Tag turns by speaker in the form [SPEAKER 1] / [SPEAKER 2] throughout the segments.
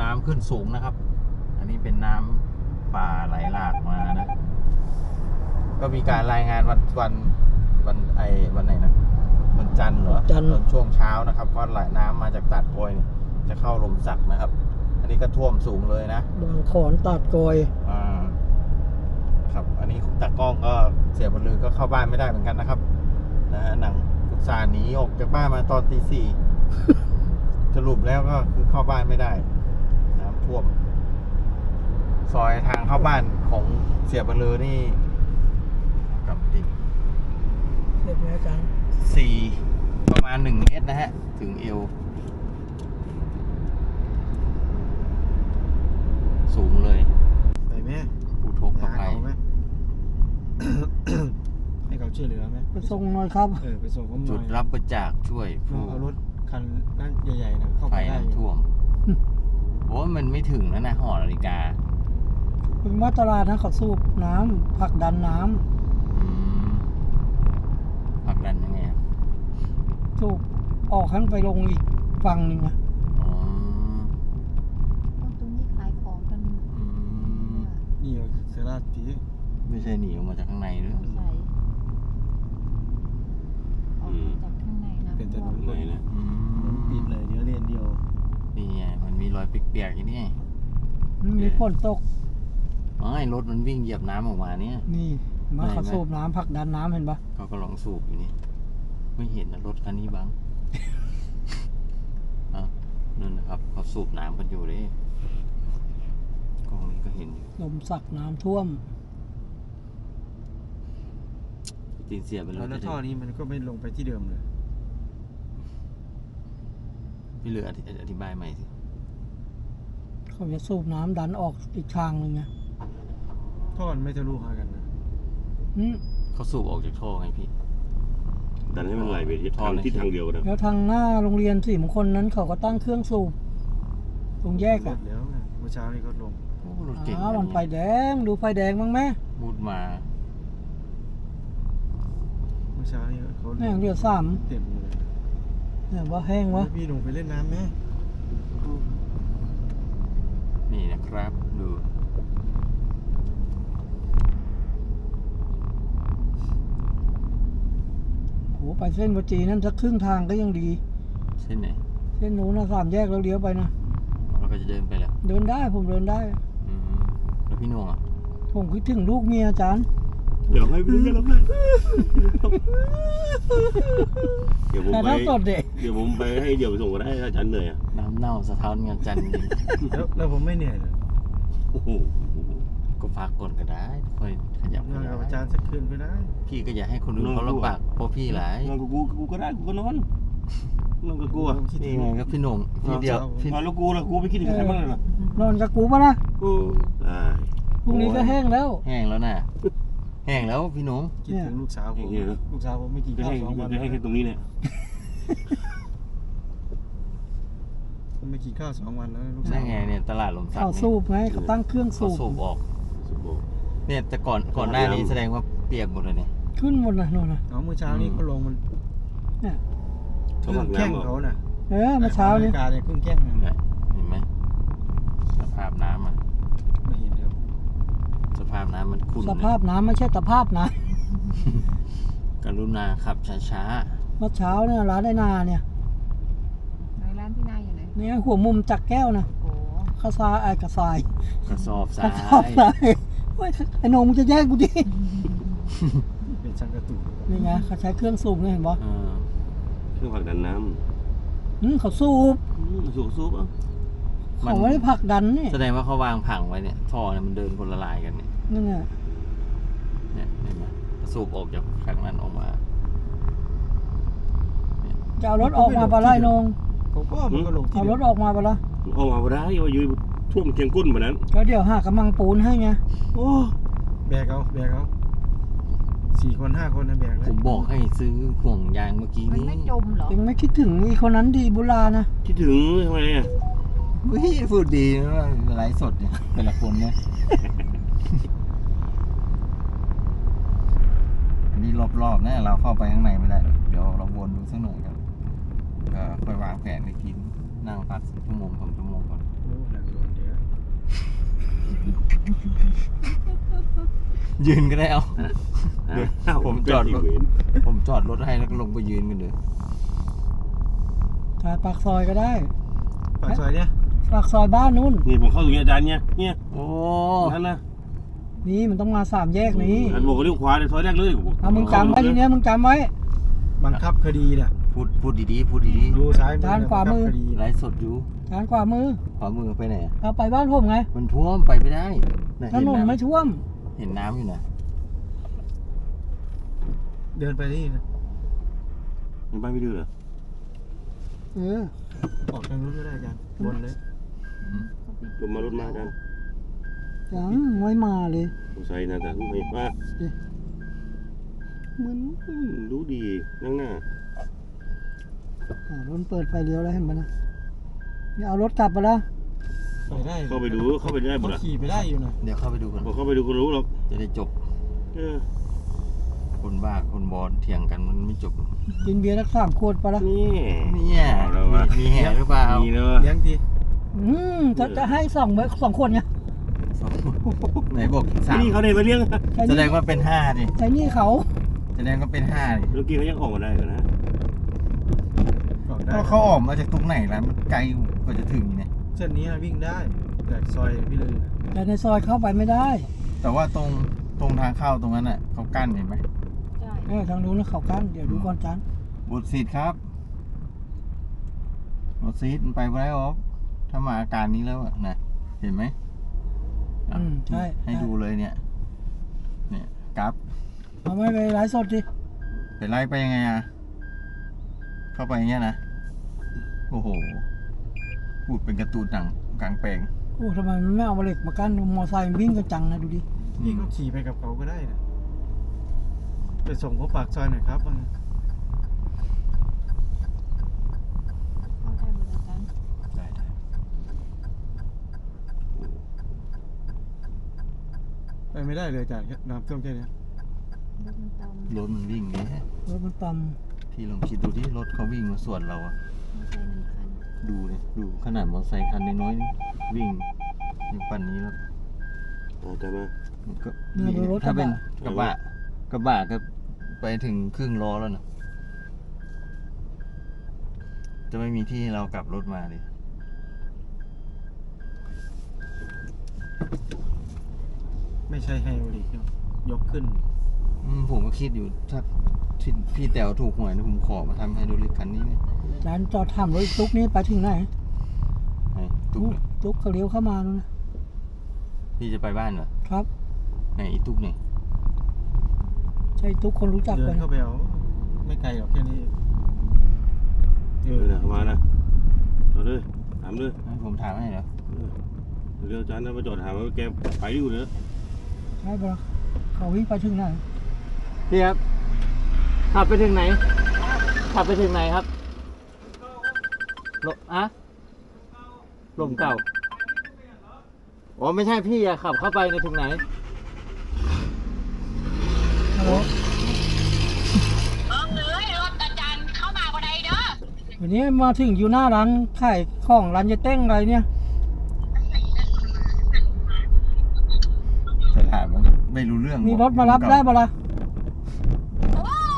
[SPEAKER 1] น้ำขึ้นสูงนะครับอันนี้เป็นน้ำป่าไหลหลากมานะก็มีการรายงานวันไหนนะวันจันทร์เหรอตอนช่วงเช้านะครับว่าไหลน้ำมาจากตาดโกยจะเข้าลมสักนะครับอันนี้ก็ท่วมสูงเลยนะ
[SPEAKER 2] บางขอนตาดโกย
[SPEAKER 1] ครับอันนี้ตากล้องก็เสียบนลือก็เข้าบ้านไม่ได้เหมือนกันนะครับนะหนังกุศลหนีออกจากบ้านมาตอนตี 4สรุปแล้วก็คือเข้าบ้านไม่ได้น้ำท่วมซอยทางเข้าบ้านของเสียบนลือนี่กับติด
[SPEAKER 2] เด็กไหมอาจารย์
[SPEAKER 1] 4ประมาณ1 เมตรนะฮะถึงเอวสูงเลย
[SPEAKER 3] ไปไหม
[SPEAKER 1] ผู้ทกกับไป
[SPEAKER 3] ไหม ให้เขาช่วยเหลือไหม
[SPEAKER 2] ไปส่งหน่อยครับ
[SPEAKER 3] ไปส่งเขาหน่อย
[SPEAKER 1] จุดรับบริจาคช่วยผู้
[SPEAKER 3] เอารถคันนั่นใหญ่ๆนะเข้าไปได้
[SPEAKER 1] ท่วมโอ้มันไม่ถึงแล้วนะหอนาฬิกา
[SPEAKER 2] เป็นมาตราดนะเขาสูบน้ำผลักดันน้ำ
[SPEAKER 1] ผลักดันยังไง
[SPEAKER 2] สูบออกขั้นไปลงอีกฝั่งหนึ่งนะ
[SPEAKER 4] ตรงนี้ขายของกัน
[SPEAKER 3] นี่เซราตี
[SPEAKER 1] ไม่ใช่หนีออกมาจากข้างในหรือ
[SPEAKER 4] ใช่ออกมาจากข้างในนะ
[SPEAKER 3] เป็นถนนเลยนะปิดเลยเดี๋ยวเรียนเดียว
[SPEAKER 1] นี่ไงมันมีรอยเปียกๆอย่างนี้
[SPEAKER 2] มีฝนตก
[SPEAKER 1] รถมันวิ่งเหยียบน้ำออกมาเนี่ย
[SPEAKER 2] นี่มาเขาสูบน้ำผลักดันน้ำเห็นปะ
[SPEAKER 1] เขาก็ลองสูบอยู่นี่ไม่เห็นนะรถคันนี้บ้างนั่นนะครับเขาสูบน้ำกันอยู่เลยกล้องนี้ก็เห็นอยู่
[SPEAKER 2] ลมสักน้ำท่วม
[SPEAKER 1] ตีนเสียไปแล้ว
[SPEAKER 3] ท่อนี้มันก็ไม่ลงไปที่เดิมเลย
[SPEAKER 1] พี่เหลืออธิบายใหม่สิ
[SPEAKER 2] เขาจะสูบน้ำดันออกอีกทางหนึ่งไง
[SPEAKER 3] ท่อมันไม่ทะลุหากันนะ
[SPEAKER 1] เขาสูบออกจากท่อไงพี่
[SPEAKER 5] ดันให้มันไหลไปทิศทางเดียวกัน
[SPEAKER 2] แล้วทางหน้าโรงเรียนศรีมงคลนั้นเขาก็ตั้งเครื่องสูบตรงแยกอะ
[SPEAKER 3] แล้วเมื่อเช้านี้ก็ลง
[SPEAKER 1] รถเก่ง
[SPEAKER 2] มันไฟแดงดูไฟแดงบ้างไหม
[SPEAKER 1] บูดมา
[SPEAKER 3] เมื่อเช้านี้เขา
[SPEAKER 2] แห้งเรือ3
[SPEAKER 3] เต็มเลย
[SPEAKER 2] เนี่ยว่าแห้งวะ
[SPEAKER 3] พี่ลงไปเล่นน้ำไหม
[SPEAKER 1] นี่นะครับดู
[SPEAKER 2] โหไปเส้นวัจีนั่นสักครึ่งทางก็ยังดี
[SPEAKER 1] เส้นไหน
[SPEAKER 2] เส้นนู้นนะ3 แยกแล้วเลี้ยวไปนะ
[SPEAKER 1] เราก็จะเดินไปแล้ว
[SPEAKER 2] เดินได้ผมเดินได้
[SPEAKER 1] แล้วพี่นงอ่ะ
[SPEAKER 2] ผมคิดถึงลูกเมียอาจารย์
[SPEAKER 5] เดี๋ยวให้ไปเรื่อยๆแล้วกันเดี๋ยวผมไปให้เดี๋ยวไปส่งก็ได้อาจารย์เหนื่อย
[SPEAKER 1] น้ำเน่าสะท้อนอาจารย์จริง
[SPEAKER 3] แล้วผมไม่เหนื่อยเลย
[SPEAKER 1] ก็พักก่อนก็ได้ค่อยขยับ
[SPEAKER 3] นอนกับอาจารย์สักคืนก็ได้
[SPEAKER 1] พี่ก็อย่าให้คนอื่นเขาลำบากเพราะพี่หลาย
[SPEAKER 5] นอนกับกูก็ได้กูก็นอนกับกูอ่ะ
[SPEAKER 1] นี่ไงครับพี่หนุ่มพี่เดียวน
[SPEAKER 5] อนแล้วกูไปคิดถึงใครบ้างเลยล่ะ
[SPEAKER 2] นอนกับกูป่ะนะ
[SPEAKER 5] ได้
[SPEAKER 2] พรุ่งนี้ก็แห้งแล้ว
[SPEAKER 1] แห้งแล้วนะแห้งแล้วพี่หนุ่ม
[SPEAKER 3] คิดถึงลูกสาวผมไม่กินข้าว2 วัน
[SPEAKER 5] ให้แค่ตรงนี้เนี่ย
[SPEAKER 3] ไม่กินข้าว2 วันแล้วลูกสาว
[SPEAKER 1] นั่นไงเนี่ยตลาดลมสัก
[SPEAKER 2] เขาสูบไงเขาตั้งเครื่องสูบ
[SPEAKER 1] ออกเนี่ยแต่ก่อนหน้านี้แสดงว่าเปียกหมดเลยเนี่ย
[SPEAKER 2] ขึ้นหมดนะโน่นนะ
[SPEAKER 3] เมื่อเช้านี้เขาลงมัน
[SPEAKER 2] เนี่ย
[SPEAKER 3] เครื่องแข้งเขาน่ะ
[SPEAKER 2] เมื่อเช้านี้
[SPEAKER 3] การเนี่ยเครื่องแข้ง
[SPEAKER 1] เนี่ยเห็นไหมสภาพน้ำมัน
[SPEAKER 3] ไม่เห็นแล้ว
[SPEAKER 1] สภาพน้ำมันขุ่น
[SPEAKER 2] สภาพน้ำไม่ใช่สภาพนะ
[SPEAKER 1] กรุณาขับช้า
[SPEAKER 2] ๆเมื่อเช้าเนี่ยร้านไอ้นาเนี่ย
[SPEAKER 4] ร้านที่นาอยู่ไหน
[SPEAKER 2] เนี่ยหัวมุมจักแก้วนะกระสายกระสอบทรายไอ้นงมึงจะแย่งกูดิ
[SPEAKER 3] เป็นชักกระตุก
[SPEAKER 2] นี่ไงเขาใช้เครื่องสูบเนี่ยเห็นปะ
[SPEAKER 5] เครื่องผลักดันน้
[SPEAKER 2] ำเขาสูบ
[SPEAKER 5] อ่ะ
[SPEAKER 2] เขาไม่ได้ผลักดันนี่
[SPEAKER 1] แสดงว่าเขาวางผังไว้เนี่ยท่อเนี่ยมันเดินคนละลายกันเนี่ย
[SPEAKER 2] นี่ไง
[SPEAKER 1] เนี่ยเห็นไหมสูบออกจากข้างนั้นออกมา
[SPEAKER 2] จะเอารถออกมาปะไล่นง
[SPEAKER 3] ผมก็มันก็ลง
[SPEAKER 2] เอารถออกมาปะล่ะ
[SPEAKER 5] ออกมาได้ว่ายืนท่วมเคียงก้นแบบนั้น
[SPEAKER 2] ก็เดี๋ยวหากำมังปูนให้ไง
[SPEAKER 3] โอ้แบกเอา4 คน 5 คนนะแบกเลย
[SPEAKER 1] ผมบอกให้ซื้อห่วงยางเมื่อกี้นี้
[SPEAKER 4] ไม่จมเหรอ
[SPEAKER 2] ยังไม่คิดถึงอีคนนั้นดีบุรานะ
[SPEAKER 5] คิดถึงทำไมอ่ะ
[SPEAKER 1] พูดดีนะไลฟ์สดเนี่ยแต่ละคนเนี่ยอันนี้รอบๆนะเราเข้าไปข้างในไม่ได้เดี๋ยวเราวนดูสักหน่อยครับก็ค่อยวางแผนไปกินนั่งพัก1 ชั่วโมง 2 ชั่วโมงก่อนยืนก็ได้เอา เดี๋ยว
[SPEAKER 5] อ้าว
[SPEAKER 1] ผมจอดรถ
[SPEAKER 5] เป็นอีกเวร
[SPEAKER 1] ผมจอดรถให้แล้วก็ลงไปยืนกันเลย
[SPEAKER 2] ถ่ายปากซอยก็ได้
[SPEAKER 3] ปากซอยเนี่ย
[SPEAKER 2] ปากซอยบ้านนู้น
[SPEAKER 5] นี่ผมเข้าตรงนี้อาจารย์เนี่ย
[SPEAKER 1] โอ้
[SPEAKER 5] นั่นนะ
[SPEAKER 2] นี่มันต้องมา3 แยกนี้
[SPEAKER 5] อันบอกว่าเลี้ยวขวาในซอยแรกเลย
[SPEAKER 2] เอามึงจำไว้ทีเนี้ยมึงจำไว้
[SPEAKER 3] บังคับคดีเนี่ย
[SPEAKER 1] พูดดีๆพูดดี
[SPEAKER 3] ดูซ้าย
[SPEAKER 2] ด้านขวามือ
[SPEAKER 3] บังคับคดี
[SPEAKER 1] ๆไลฟ์สดอยู่
[SPEAKER 2] ทางขวามือ
[SPEAKER 1] ขวามือไปไหนอะ
[SPEAKER 2] เอาไปบ้านผมไง
[SPEAKER 1] มันท่วมไปไม่ได้ะ
[SPEAKER 2] ถนนไม่ท่วม
[SPEAKER 1] เห็นน้ำอยู่นะ
[SPEAKER 3] เดินไปนี่นะ
[SPEAKER 5] มันไปไม่ดื้อเหรอ
[SPEAKER 2] เออ
[SPEAKER 3] ออกทางนู้นก็ได้อาจารย์บนเลย
[SPEAKER 5] ผมมารถมาอาจารย์
[SPEAKER 2] ยังไม่มาเลย
[SPEAKER 5] ผมใส่นะอาจารย์ไม่มา
[SPEAKER 2] เหมือน
[SPEAKER 5] ดูดีนั่งหน้าร
[SPEAKER 2] ถเปิดไฟเลี้ยวแล้วเห็นปะนะนี่เอารถกลับไปแล้ว
[SPEAKER 3] ไปได้
[SPEAKER 5] เข้าไปดูเข้าไปได้หมด
[SPEAKER 3] เขา
[SPEAKER 5] อ่ะ
[SPEAKER 3] ขี่ไปได้อยู่นะ
[SPEAKER 1] เดี๋ยวเข้าไปดูกัน
[SPEAKER 5] พอเข้าไปดูก็รู้หรอก
[SPEAKER 1] จะได้จบ
[SPEAKER 5] เออ
[SPEAKER 1] คนบ้าคนบอลเถียงกันมันไม่จบ
[SPEAKER 2] กินเบียร์สัก3 ขวดไปละ
[SPEAKER 5] นี่
[SPEAKER 1] เนี่ย
[SPEAKER 5] เอาแล้ววะ
[SPEAKER 1] มีแห่หรือเปล่า
[SPEAKER 5] มีเนอะ
[SPEAKER 3] เลี้ยงที
[SPEAKER 2] จะให้2 คนไง
[SPEAKER 1] ไหนบอกสาม
[SPEAKER 5] นี่เขาได้มาเลี้ยง
[SPEAKER 2] ใช้
[SPEAKER 1] แส
[SPEAKER 2] ห
[SPEAKER 1] ด
[SPEAKER 2] นี่
[SPEAKER 1] งว่าเป็นห้าดิ
[SPEAKER 2] ใช้หนี่เขา
[SPEAKER 1] แสดงว่าเป็นห้าดิ
[SPEAKER 5] เมื่อกี้เขายังออกมาได้ก่อนนะ
[SPEAKER 3] ออกได้
[SPEAKER 1] แล้วเขาออกมาจากตรงไหนล่ะมันไกลกว่าจะถึงเนี่ย
[SPEAKER 3] เส้นนี้วิ่งได้แต่ซอยพี่เลยนะ
[SPEAKER 2] แต่ในซอยเข้าไปไม่ได้
[SPEAKER 1] แต่ว่าตรงทางเข้าตรงนั้นอ่ะเขากั้นเห็นไหม
[SPEAKER 4] ใช่
[SPEAKER 2] ทางนู้นเขากั้นเดี๋ยวดูก่อนจัน
[SPEAKER 1] บทซีดครับบทซีดมันไปไม่ได้หรอกถ้ามาอาการนี้แล้วอะนะเห็นไหมอ่ะ
[SPEAKER 2] ใช่
[SPEAKER 1] ให้ดูเลยเนี่ยกราฟ
[SPEAKER 2] เอาไม่ไปไลฟ์สดดิ
[SPEAKER 1] ไปไล่ไปยังไงอ่ะเข้าไปอย่างเงี้ยนะโอ้โหพูดเป็นการ์ตูนหนังกลางแปลง
[SPEAKER 2] โอ้ทำไมมันไม่เอาเหล็กมากั้นมอไซค์มันวิ่งกันจังนะดูดิ
[SPEAKER 3] พี่ก็ขี่ไปกับเขาก็ได้นะไปส่งเขาปากซอยหน่อยครับว่าไง
[SPEAKER 4] เข้าได้หมดอาจารย์
[SPEAKER 1] ได้
[SPEAKER 3] ไปไม่ได้เลยอาจารย์น้ำท่วมแค่นี้
[SPEAKER 4] รถมันตาม
[SPEAKER 1] รถมันวิ่งเนี่ย
[SPEAKER 2] รถมันต่
[SPEAKER 1] พี่ลองคิดดูที่รถเขาวิ่งมาสวนเราอะ
[SPEAKER 4] มอเตอร์ไซค์1 คัน
[SPEAKER 1] ดูเลยดูขนาดมอเตอร์ไซค์คันน้อยๆนี่วิ่งอย่างปั่นนี้แล้ว
[SPEAKER 5] เอาแต่มา
[SPEAKER 1] มันก็
[SPEAKER 2] ำเนี่ยดูรถก
[SPEAKER 1] ถ้า
[SPEAKER 2] ระ
[SPEAKER 1] เป็น
[SPEAKER 2] บะ
[SPEAKER 1] กระบะก็ไปถึงครึ่งล้อแล้วนะจะไม่มีที่ให้เรากลับรถมาเลย
[SPEAKER 3] ไม่ใช่ไฮโอลิกเนอะยกขึ้น
[SPEAKER 1] ผมก็คิดอยู่ถ้าพี่แต๋วถูกหวยนะผมขอมาทำไฮโดรลิกคันนี้เนี่ย
[SPEAKER 2] จานจอดถามรถตุ๊กนี่ไปถึงไหน
[SPEAKER 1] ไอ้ตุ๊กเนี่ย
[SPEAKER 2] ตุ๊กเขาเลี้ยวเข้ามานู่นนะ
[SPEAKER 1] พี่จะไปบ้านเหรอ
[SPEAKER 2] ครับ
[SPEAKER 1] ไหนอีตุ๊กเนี่ย
[SPEAKER 2] ใช่ตุ๊กคนรู้จัก
[SPEAKER 3] เดิ
[SPEAKER 2] กัน น
[SPEAKER 3] เข้าไปเอาไม่ไกลหรอกแค่นี้เอ
[SPEAKER 5] เอ
[SPEAKER 3] อ
[SPEAKER 5] อนะมานะเอาเลยถามเลย
[SPEAKER 1] ให้ผมถามให้เหรอ
[SPEAKER 5] เรืออาจารย์นะมาจอดถามว่าแกไปอยู่เนอะ
[SPEAKER 2] ใช่ปะเขาวิ่งไปถึงไหน
[SPEAKER 1] พี่ครับขับไปถึงไหนขับไปถึงไหนครับลมเก่าอ๋อไม่ใช่พี่อะขับเข้าไปในถึงไหน
[SPEAKER 2] ฮัลโหล
[SPEAKER 6] เลยรถอาจารย์เข้ามาก็ได้เด้อ
[SPEAKER 2] วันนี้มาถึงอยู่หน้าร้านขายของร้านยายเต้งอะไรเนี่ย
[SPEAKER 1] จะถามว่าไม่รู้เรื่อง
[SPEAKER 2] มีรถมารับได้ปะล่ะ
[SPEAKER 6] โอ้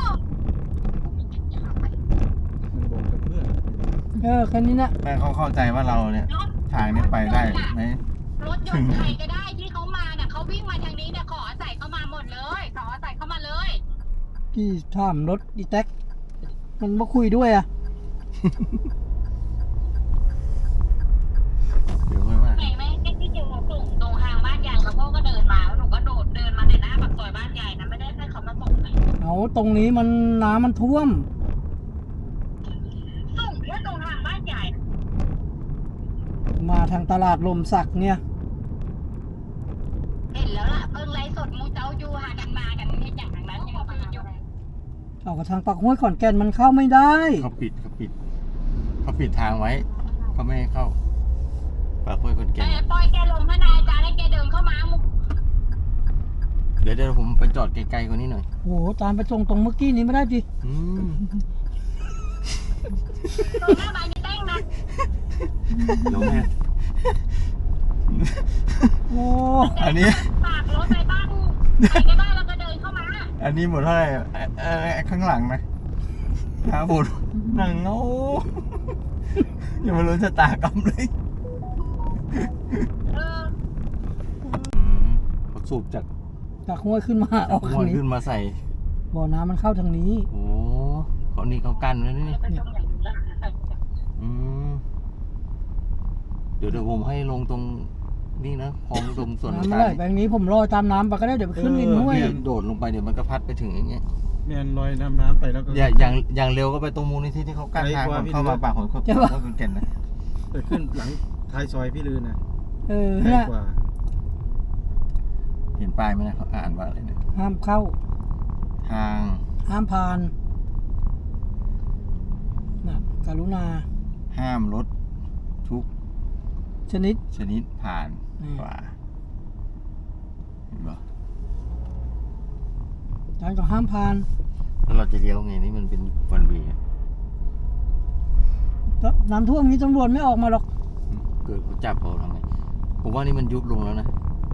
[SPEAKER 3] มันบอกกับเพื่อน
[SPEAKER 2] แค่นี้นะ
[SPEAKER 1] แม่เขาเข้าใจว่าเราเนี่ย ทางนี้ไปได้ไหม
[SPEAKER 6] รถยนต์ใครก็ได้ที่เขามาเนี่ยเขาวิ่งมาทางนี้เนี่ยขออาศัยเข้ามาหมดเลยขออาศัยเข้ามาเลย
[SPEAKER 2] พี่ถามรถอีแท็กมันมาคุยด้วยอ่ะ
[SPEAKER 1] เดี๋ยวค่อยว่า
[SPEAKER 6] ไหนไหมที่เจอส่งตรงทางบ้านยายแล้วพ่อก็เดินมาแล้วหนูก็โดดเดินมาในหน้าปากซอยบ้านยายนะไม่ได้ให้เขามาส่งเลย
[SPEAKER 2] เอาตรงนี้มันน้ำมันท่วม
[SPEAKER 6] ส่งแค่ตรงทางบ้านยายนะ
[SPEAKER 2] มาทางตลาดลมสักเนี่ย
[SPEAKER 6] เห็นแล้วล่ะเพิ่งไลฟ์สดมูเจ้าอยู่หากันมากันเนี่ยอย่างนั้นยังมาอยู่
[SPEAKER 2] เอากระทางปากห้วยขอนแก่นมันเข้าไม่ได้
[SPEAKER 1] เขาปิดทางไว้เขาไม่ให้เข้าปากห้วยคนแก่
[SPEAKER 6] ปล่อยแกลงพระนายอาจารย์ให้แกเดินเข้ามามุก
[SPEAKER 1] เดี๋ยวผมไปจอดไกลๆกว่านี้หน่อย
[SPEAKER 2] โอ้โหตามไปส่งตรงเมื่อกี้นี้ไม่ได้ดิ
[SPEAKER 1] อืม
[SPEAKER 6] ตรงหน้าบ้านยายแต้งนะ
[SPEAKER 5] น้องแม่
[SPEAKER 2] โอ้
[SPEAKER 1] อันนี้
[SPEAKER 6] ฝากรถไปบ้านในบ้านเราก็เดินเข้ามา
[SPEAKER 1] อันนี้หมดเท่าไหร่ข้างหลังนะหาบุญนั่งเงายังไม่รู้ชะตากรรมเลย
[SPEAKER 6] เออ
[SPEAKER 1] เขาสูบจาก
[SPEAKER 2] จากห้วยขึ้นมาออก
[SPEAKER 1] ห้
[SPEAKER 2] ทา
[SPEAKER 1] วย
[SPEAKER 2] งนี้
[SPEAKER 1] ขึ้นมาใส่
[SPEAKER 2] บ่อน้ำมันเข้าทางนี้
[SPEAKER 1] โอ้เขานี่เขากั้นไว้นี่
[SPEAKER 6] เป็นตรงอย่างนี้ละ
[SPEAKER 1] อืมเดี๋ยวผมให้ลงตรงนี่นะคลองตรงส่วน
[SPEAKER 2] น้ำ
[SPEAKER 1] ต่า
[SPEAKER 2] ไม่
[SPEAKER 1] ง
[SPEAKER 2] ไหลไปทางนี้ผมลอยตามน้ำไปก็ได้เดี๋ยวไปขึ้นริมห้วย
[SPEAKER 1] พี่โดดลงไปเดี๋ยวมันก็พัดไปถึงอย่างเงี้ย
[SPEAKER 3] แมนลอยน้ำไปแล้วก็
[SPEAKER 1] อย่างเร็วก็ไปตรงมูลนิธิที่เขากั้นทางก่อนเข้ามาปากของเขาเขาเป็นแก่นนะ
[SPEAKER 3] ไปขึ้นหลังท้ายซอยพี่ลือนะ
[SPEAKER 2] เออ
[SPEAKER 3] ไกล
[SPEAKER 2] เนี่ย
[SPEAKER 3] กว่า
[SPEAKER 1] เห็นป้ายไหมนะเขาอ่านว่าอะไรเนี่ย
[SPEAKER 2] ห้ามเข้า
[SPEAKER 1] ทาง
[SPEAKER 2] ห้ามผ่านน่ะกรุณา
[SPEAKER 1] ห้ามรถทุก
[SPEAKER 2] ชนิด
[SPEAKER 1] ชนิดผ่าน
[SPEAKER 2] อืม
[SPEAKER 1] กว่าเห็นปะ
[SPEAKER 2] การก็ห้ามผ่าน
[SPEAKER 1] แล้วเราจะเลี้ยวไงนี่มันเป็นวันเวย์
[SPEAKER 2] แล้วน้ำท่วมนี้ตำรวจไม่ออกมาหรอก
[SPEAKER 1] เกิดเขาจับเขาทำไงผมว่านี่มันยุบลงแล้วนะ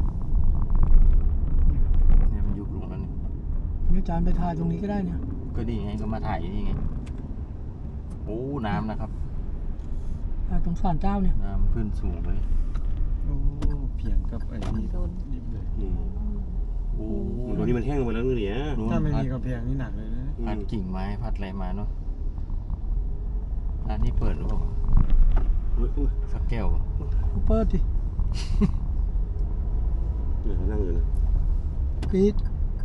[SPEAKER 1] เนี่ยมันยุบลงแล้วนี่
[SPEAKER 2] นี่อาจารย์ไปถ่ายตรงนี้ก็ได้เนี่ย
[SPEAKER 1] ก็ดีไงก็มาถ่ายนี่ไงโอ้น้ำนะครับ
[SPEAKER 2] ถ่ายตรงศาลเจ้าเนี่ย
[SPEAKER 1] น้ำขึ้นสูงเลย
[SPEAKER 3] โอ้เพียงกับไอ้นี่ดิบเลย
[SPEAKER 5] อืม
[SPEAKER 1] โอ้
[SPEAKER 5] ตรงนี้มันแห้งลงไปแล้วนู่นเนี่ย
[SPEAKER 1] นู้น
[SPEAKER 3] ถ้าไม่
[SPEAKER 1] พัด
[SPEAKER 3] มีกำแพงนี่หนักเลยนะ
[SPEAKER 1] พัดกิ่งไม้พัดอะไรมาเนาะร้านนี้เปิดหรือเปล่า
[SPEAKER 5] อุ๊ยอุ๊ย
[SPEAKER 1] สักแก้วปะ
[SPEAKER 2] เปิดดิ
[SPEAKER 5] เดี๋ยวเขานั่งอยู่นะ
[SPEAKER 2] ปิด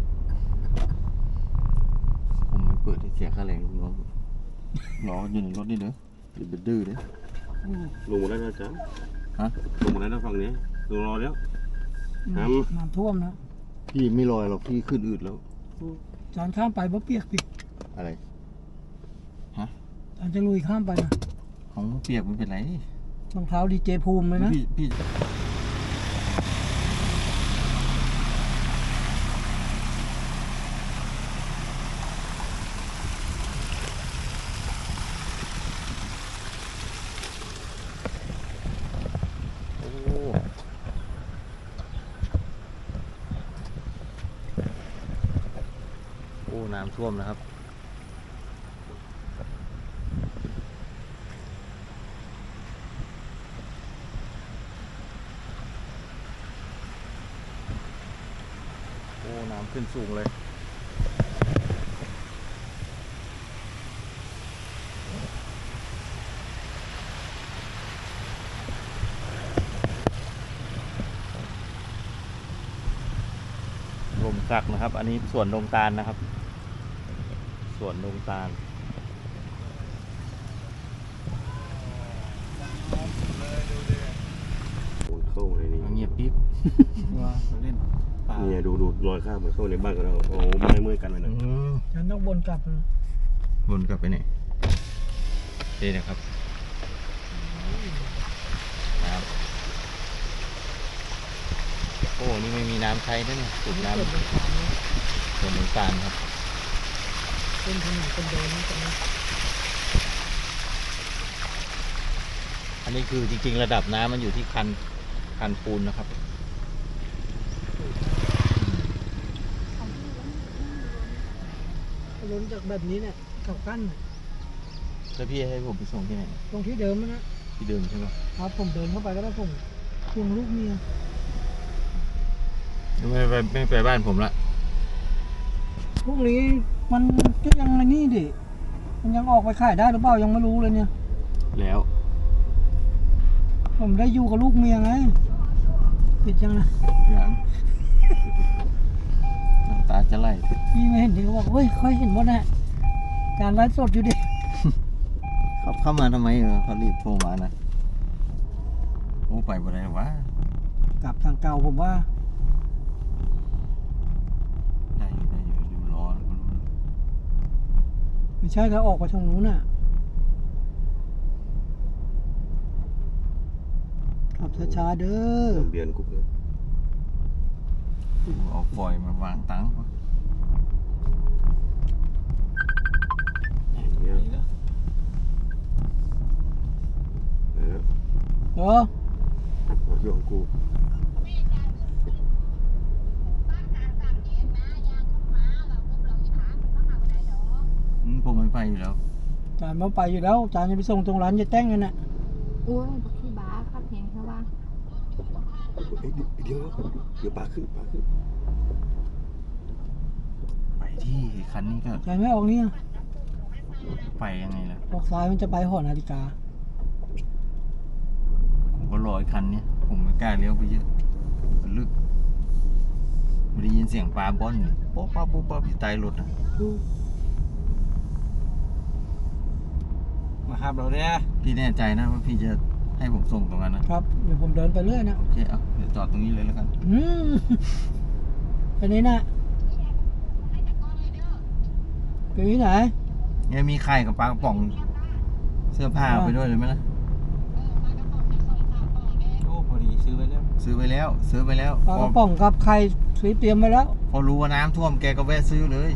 [SPEAKER 1] ผมไม่เปิดที่เสียค่าแรงลูกน้องรออยู่ในรถนี่เด้ออย่าไปดื้อเด้อ
[SPEAKER 5] ลงหมดแล้วนะจ๊ะ
[SPEAKER 1] ฮะ
[SPEAKER 5] ลงหมดแล้วนะฝั่งนี้ลงรอแล้ว น้
[SPEAKER 2] น้ำท่วมนะ
[SPEAKER 1] พี่ไม่ลอยหรอกพี่ขึ้นอืดแล้ว
[SPEAKER 2] อาจารย์ข้ามไปบ่เปียกพี่
[SPEAKER 1] อะไร
[SPEAKER 2] อาจารย์จะลุยข้ามไปนะ
[SPEAKER 1] ของเปียกไม่เป็นไร
[SPEAKER 2] รองเท้าดีเจภูมิเลยนะ
[SPEAKER 1] พี่ โอ้น้ำท่วมนะครับ โอ้น้ำขึ้นสูงเลย ลมสักนะครับ อันนี้สวนดงตาลนะครับ สวนดงตาล
[SPEAKER 5] ำโอ้ยเข้าในนี้
[SPEAKER 1] เงียบปิ๊บ
[SPEAKER 3] ว่าเขาเล่นป่า
[SPEAKER 5] เนี่ยดูรอยข้ามมันเข้าในบ้านกันแล้วโอ้ไม่เมื่อยกันเลยนะ
[SPEAKER 2] ฉันต้องวนกลับนะ
[SPEAKER 1] วนกลับไปไหนนี่นะครับน้ำโอ้ นี่ไม่มีน้ำใช้ด้วยเนี่ยสูบน้ำสวนดงตาลครับ
[SPEAKER 2] เป็นถนนเป็นเดินนี่ตรงนี้
[SPEAKER 1] อันนี้คือจริงๆระดับน้ำมันอยู่ที่คันปูนนะครับ
[SPEAKER 2] ล้นจากแบบนี้เนี่ยกับกั้นเนี่ย
[SPEAKER 1] แล้วพี่ให้ผมไปส่งที่ไหน
[SPEAKER 2] ตรงที่เดิมนะ
[SPEAKER 1] ที่เดิมใช่ไหม
[SPEAKER 2] ครับผมเดินเข้าไปก็ได้ผมควงลูกเมีย
[SPEAKER 1] ไม่ไปบ้านผมละ
[SPEAKER 2] พวกนี้มันก็ยังไงนี่ดิมันยังออกไปขายได้หรือเปล่ายังไม่รู้เลยเนี่ย
[SPEAKER 1] แล้ว
[SPEAKER 2] ผมได้อยู่กับลูกเมียไงปิดยังนะ
[SPEAKER 1] อย่างน้ำตาจะไหล
[SPEAKER 2] พี่ไม่เห็นที่เขาบอกเฮ้ยค่อยเห็นหมดนะการไลฟ์สดอยู่ดิ
[SPEAKER 1] เขาเข้ามาทำไมเขารีบโทรมานะโอ้ไปบ่ได้หรอวะ
[SPEAKER 2] กลับทางเก่าผมว่า
[SPEAKER 1] ได้อยู่รอ
[SPEAKER 2] ไม่ใช่เขาออกไปทางนู้นน่ะขับช้าๆเด้อ
[SPEAKER 5] เบียนกุ๊กเลย
[SPEAKER 1] เอาฟอยล์มาวางตังค์วะ
[SPEAKER 5] เนี่ยเออ
[SPEAKER 2] เออ
[SPEAKER 5] อยู่ของกู
[SPEAKER 6] บ้านหา3 กิโล
[SPEAKER 1] ผมไม่ไปอยู่แล้ว
[SPEAKER 2] จานมาไปอยู่แล้วจานจะไปส่งตรงร้านจะแต่งกันน่ะ
[SPEAKER 4] โอ้ยบักที่บ้าครับเห็นเขาว่า
[SPEAKER 5] เดี๋ยวปลาขึ้น
[SPEAKER 1] ไปที่คันนี้ก็
[SPEAKER 2] จานไม่ออกนี่อะ
[SPEAKER 1] ไปยังไงล่ะ
[SPEAKER 2] ออกซ้ายมันจะไปหอนาฬิกา
[SPEAKER 1] ผมก็รอไอ้คันนี้ผมไม่กล้าเลี้ยวไปเยอะมันลึกไม่ได้ยินเสียงปลาบอลนี่โป๊ะป๊าโป๊ะป๊าอยู่ใต้รถนะ
[SPEAKER 3] มาครับเราเนี่ย
[SPEAKER 1] พี่แน่ใจนะว่าพี่จะให้ผมส่งตรงนั้นนะครับ
[SPEAKER 2] เดี๋ยวผมเดินไปเรื่อยนะ
[SPEAKER 1] โอเคเอาเดี๋ยวจอดตรงนี้เลยแล้วกัน
[SPEAKER 2] อันนี้นะอยู่ที่ไหน
[SPEAKER 1] เนี่ยมีไข่กับปลากระป๋องเสื้อผ้าเอาไปด้วยเลยไหมล่ะ
[SPEAKER 3] โอ้พอดีซื้อไว้แล้ว
[SPEAKER 1] ซื้อไปแล้ว
[SPEAKER 2] ปลากระป๋องกับไข่ซื้อเตรียมไว้แล้ว
[SPEAKER 1] พอรู้ว่าน้ำท่วมแกก็แวะซื้อเลย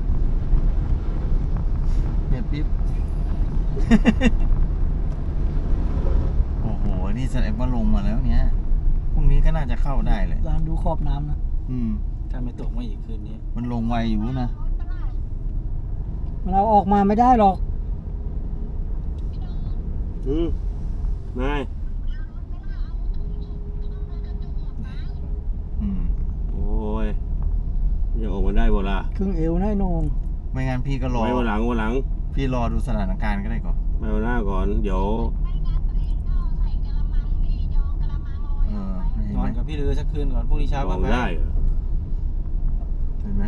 [SPEAKER 1] เนี่ยปิ๊บ โอ้โหนี่แสดงว่าลงมาแล้วเนี่ยพรุ่งนี้ก็น่าจะเข้าได้เลย
[SPEAKER 2] ร้านดูขอบน้ำนะ
[SPEAKER 3] ถ้าไม่ตกมาอีกคืนนี้
[SPEAKER 1] มันลงไวอยู่นะ
[SPEAKER 2] มันเอาออกมาไม่ได้หรอก
[SPEAKER 5] นาย โอ้ยยังออกมาได้บ่ล่ะ
[SPEAKER 2] ครึ่งเอวนะไอ้โหนง
[SPEAKER 1] ไม่งั้นพี่ก็รอ
[SPEAKER 5] ไว้วันหลัง
[SPEAKER 1] พี่รอดูสถานการณ์ก็ได้ก่อน
[SPEAKER 5] ไว้วันหน้าก่อน เดี๋ยว
[SPEAKER 1] เห็น
[SPEAKER 3] นอ
[SPEAKER 1] ไหม
[SPEAKER 3] นกับพี่เรือสักคืนก่อนพรุ่งนี้เช้า
[SPEAKER 5] ล
[SPEAKER 3] ก็
[SPEAKER 5] อง
[SPEAKER 3] ไป
[SPEAKER 5] ได้เหรอ
[SPEAKER 1] เห็นไหม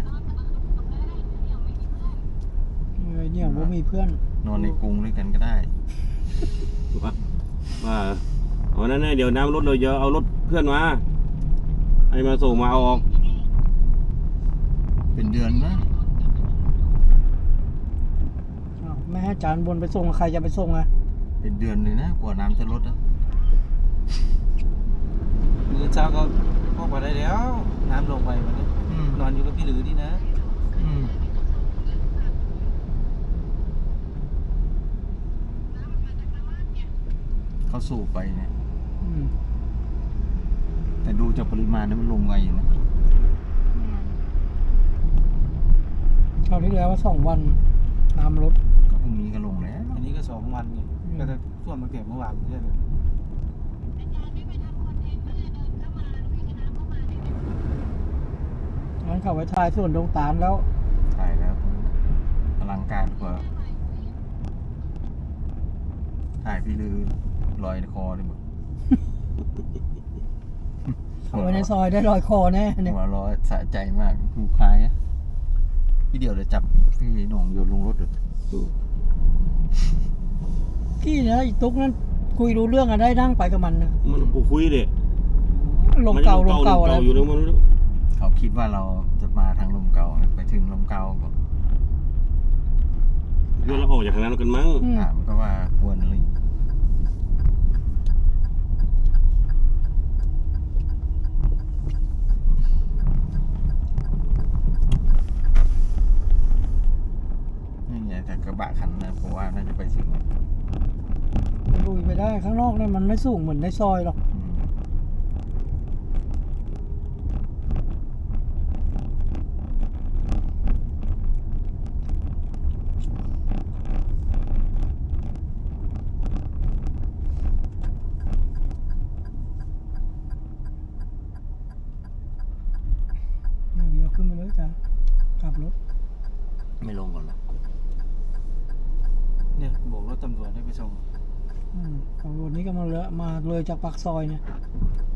[SPEAKER 2] เนี่ยผมมีเพื่อน
[SPEAKER 1] นอนในกรงด้วยกันก็ได้
[SPEAKER 5] ว่าอ๋อนั่นๆเดี๋ยวน้ำรถเราเยอะเอารถเพื่อนมาให้มาส่งมาเอาออก
[SPEAKER 1] เป็นเดือนนะ
[SPEAKER 2] อ้าวไม่ให้จานบนไปส่งใครจะไปส่งอ่ะ
[SPEAKER 1] เป็นเดือนเลยนะกว่าน้ำจะลดนะ
[SPEAKER 3] มื้อเช้าก็พวกมาได้แล้ว น้ำลงไปวันนี้
[SPEAKER 1] อืม
[SPEAKER 3] นอนอยู่กับพี่หรือนี่นะ
[SPEAKER 1] อืมเขาสูบไปเนี่ย
[SPEAKER 2] อืม
[SPEAKER 1] แต่ดูจากปริมาณนั้นมันลงไวอยู่นะ
[SPEAKER 4] แม่น
[SPEAKER 2] คราวที่แล้วว่า2 วันน้ำลด
[SPEAKER 1] ก็พรุ่งนี้ก็ลงแล้ว
[SPEAKER 3] อันนี้ก็2 วันเนี่ยก็จะท่วมมาเก็บเมื่อวานใช่ไหม
[SPEAKER 2] งั้นเขาไปถ่ายส่วนดงตาลแล้ว
[SPEAKER 1] ถ่ายแล้วอลังการกว่าถ่ายพี่ลือลอยคอเลยหมด
[SPEAKER 2] เข้าไปในซอยได้รอยคอแน่เนี่ย
[SPEAKER 1] หัวเร้อยสะใจมากหูคล้ายอะพี่เดี๋ยวจะจับพี่หน่องโยนลงรถเลย
[SPEAKER 2] กี้นะอีตุ๊กนั้นคุยรู้เรื่องอะได้นั่งไปกับมันนะ
[SPEAKER 5] มันกูคุยเด็
[SPEAKER 2] ลมเก่าอะไร
[SPEAKER 5] อยู่แล้วมัน
[SPEAKER 1] เขาคิดว่าเราจะมาทางลมเก่าไปถึงลมเก่าก็
[SPEAKER 5] เพื่อนเราออกจากทางนั้นกันมั้ง
[SPEAKER 1] ถามก็ว่าควรอะไรนี่ไงแต่กระบะคันนะเพราะว่าน่าจะไปถึงนะ
[SPEAKER 2] ลุยไปได้ข้างนอกเนี่ยมันไม่สูงเหมือนในซอยหรอก เดี๋ยวขึ้นไปเลยจ้ะกลับรถ
[SPEAKER 1] ไม่ลงก่อนหรอ
[SPEAKER 3] เนี่ยโบกรถตำรวจให้ไปส่ง
[SPEAKER 2] ตำรวจนี้ก็มาเลยจากปากซอยเนี่ย
[SPEAKER 1] อ